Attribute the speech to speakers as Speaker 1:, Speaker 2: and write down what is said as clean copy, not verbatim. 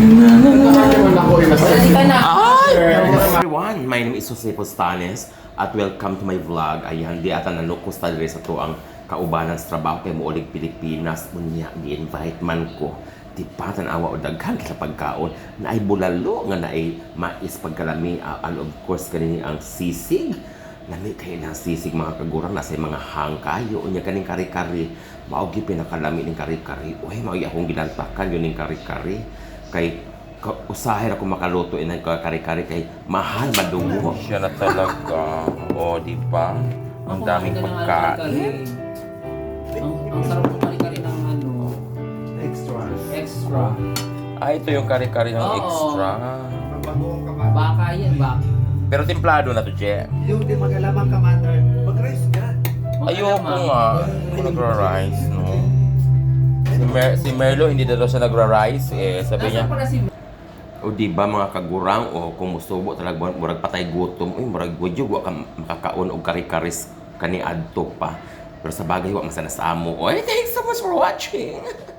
Speaker 1: Everyone, my name is Jose Postales at welcome to my vlog. Ayan, di ata nanukos tayo sa to ang kaubanan sa trabaho kay Muulig Pilipinas. Unya, gi-invite man ko. Di pa tanawa o daghan sa pagkaon na ay bulalo nga na ay mais pagkalami and of course kanini ang sisig. Lami kayo ng sisig mga kagurang nasa mga hangkayo. Unya kaning kari-kari. Maogi pinakalami ng kari-kari. Uy, maogi akong ginantakan yun ng kari-kari. Kay usahin ako makaluto inang kari-kari kay mahal madungo. Siya na talaga. O, di ba? Ang daming pagkain.
Speaker 2: Ang sarap ng kari-kari ng ano. Extra.
Speaker 1: Ito yung kari-kari ng
Speaker 2: Oo.
Speaker 1: extra.
Speaker 2: Baka yan, baka.
Speaker 1: Pero templado na to, Je.
Speaker 3: Yung di magalamang commander, mag-rice ka.
Speaker 1: Ayoko nga. Hindi nagra-rice, no? Si Merlo, hindi daw siya nagra-rice. Sabi niya,
Speaker 2: Nasaan pala si
Speaker 1: o di ba mga kagurang o kung musubo talaga murag patay gutom uy murag gudyo wa ka makakaon og kari-karis kani adto pa pero sa bagay wa masana sa amo. Oy, thanks so much for watching.